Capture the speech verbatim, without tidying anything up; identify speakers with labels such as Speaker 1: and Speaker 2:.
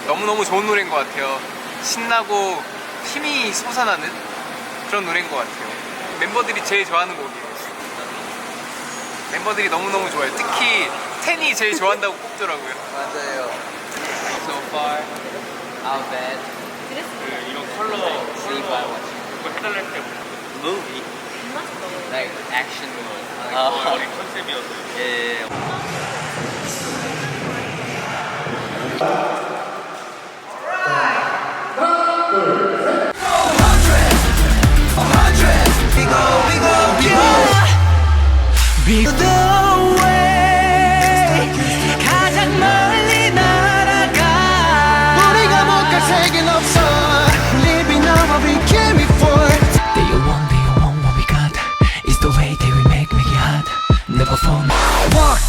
Speaker 1: 너무너무 좋은 노래인 것 같아요. 신나고 힘이 솟아나는 그런 노래인 것 같아요. 멤버들이 제일 좋아하는 곡이에요. 멤버들이 너무너무 좋아요. 특히 텐이 제일 좋아한다고 꼽더라고요.
Speaker 2: 맞아요.
Speaker 3: So far, our band,
Speaker 4: 그 이런 컬러
Speaker 3: see by watching.
Speaker 4: 그거 해달랄 때
Speaker 3: Movie, like action movie.
Speaker 4: 어, 우리 컨셉이어서
Speaker 3: Yeah, yeah, yeah.
Speaker 5: 가장 멀리 날아가 우리가 못 갈 세계는 없어 Living on what we came before They want, they want what we got It's the way that we make, make it hot Never fall Walk